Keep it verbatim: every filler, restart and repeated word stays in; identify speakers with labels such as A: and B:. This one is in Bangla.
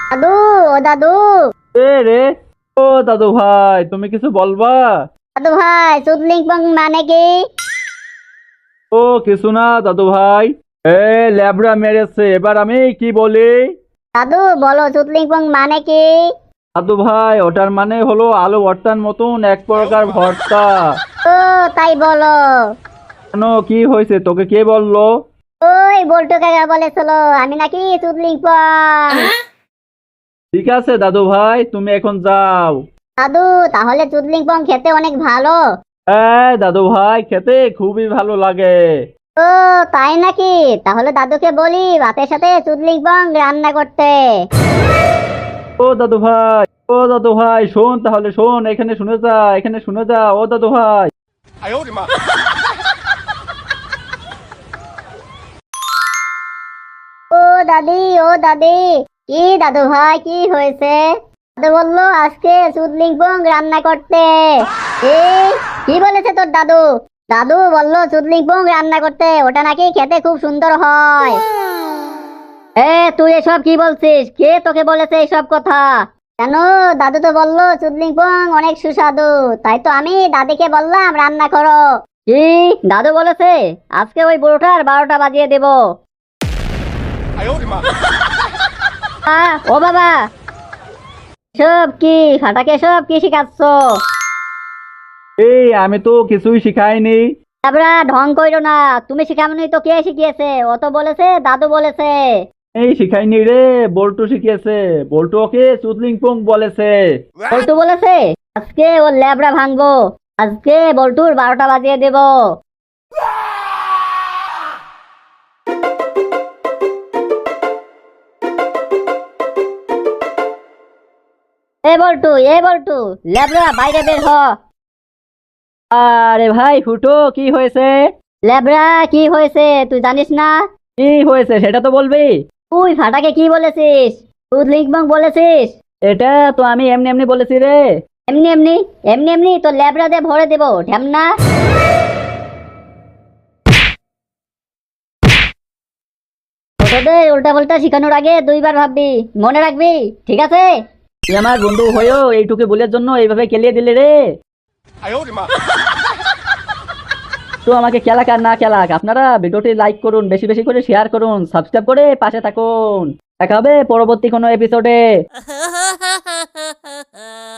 A: দাদু, ও দাদু।
B: এ রে, ও দাদু ভাই, তুমি কিছু বলবা?
A: দাদু ভাই, চুদলিংপং মানে কি?
B: ও কিছু না দাদু ভাই। এ ল্যাবড়া মেরেছে, এবার আমি কি বলি?
A: দাদু বলো, চুদলিংপং মানে কি?
B: দাদু ভাই, ওটার মানে হলো আলু ভর্তার মতন এক প্রকার ভর্তা।
A: ও, তাই বলো।
B: কেন, কি হয়েছে, তোকে কে বললো?
A: ওই বল্টু কাকা বলেছিল আমি নাকি চুদলিংপং।
B: ঠিক আছে দাদু ভাই, তুমি এখন যাও।
A: দাদু, তাহলে চুদলিংপং খেতে অনেক ভালো?
B: হ্যাঁ দাদু ভাই, খেতে খুবই ভালো লাগে।
A: ও, তাই নাকি? তাহলে দাদুকে বলি ভাতের সাথে চুদলিংপং রান্না করতে।
B: ও দাদু ভাই, ও দাদু ভাই শোন, তাহলে শোন, এখানে শুনে যা, এখানে শুনে যা, ও দাদু ভাই।
A: ও দাদি, ও দাদি। কি দাদু ভাই, কি হয়েছে? দাদু বললো আজকে চুদলিংপং রান্না করতে। এ, কি বলেছে তোর দাদু? দাদু বললো চুদলিংপং রান্না করতে, ওটা নাকি খেতে খুব সুন্দর হয়। এ, তুই এসব কি বলছিস? কে তোকে বলেছে এইসব কথা? কেন, দাদু তো বললো চুদলিংপং অনেক সুস্বাদু, তাই তো আমি দাদিকে বললাম রান্না করো। কি, দাদু বলেছে? আজকে ওই বুড়োটার বারোটা বাজিয়ে দেবো। আহ, ও বাবা, সব কি ফাটাকে সব কি শিখাচ্ছ?
B: এই আমি তো কিছুই শিখাইনি।
A: তারপরে ঢং কইরো না, তুমি শিখামনি তো কে শিখিয়েছে? ও তো বলেছে দাদু বলেছে।
B: এই শিখাইনি রে, বল্টু শিখিয়েছে। বল্টু ওকে চুদলিং পং বলেছে।
A: বল্টু বলেছে? আজকে ওর ল্যাবড়া ভাঙবো। আজকে বল্টুর বারোটা বাজিয়ে দেবো। এ বল্টু, এ বল্টু, ল্যাবড়া বাইরে বের হ।
B: আরে ভাই ফুটো, কি হয়েছে?
A: ল্যাবড়া, কি হয়েছে তুই জানিস না?
B: কি হয়েছে সেটা তো বলবি।
A: তুই ফাটাকে কি বলেছিস? চুদলিংপং বলেছিস?
B: এটা তো আমি এমনি এমনি বলেছি রে।
A: এমনি এমনি? এমনি এমনি তো ল্যাবড়া দিয়ে ভরে দেবো ঢ্যামনা। ছোটদের উল্টা পাল্টা শিখানোর আগে দুইবার ভাববি, মনে রাখবি, ঠিক আছে?
B: তুই আমার বন্ধু হয়েও এইটুকু বলের জন্য এইভাবে কেলিয়ে দিলে রে। তো আমাকে খেলাক আর না খেলাক, আপনারা ভিডিওটি লাইক করুন, বেশি বেশি করে শেয়ার করুন, সাবস্ক্রাইব করে পাশে থাকুন। দেখা হবে পরবর্তী কোনো এপিসোডে।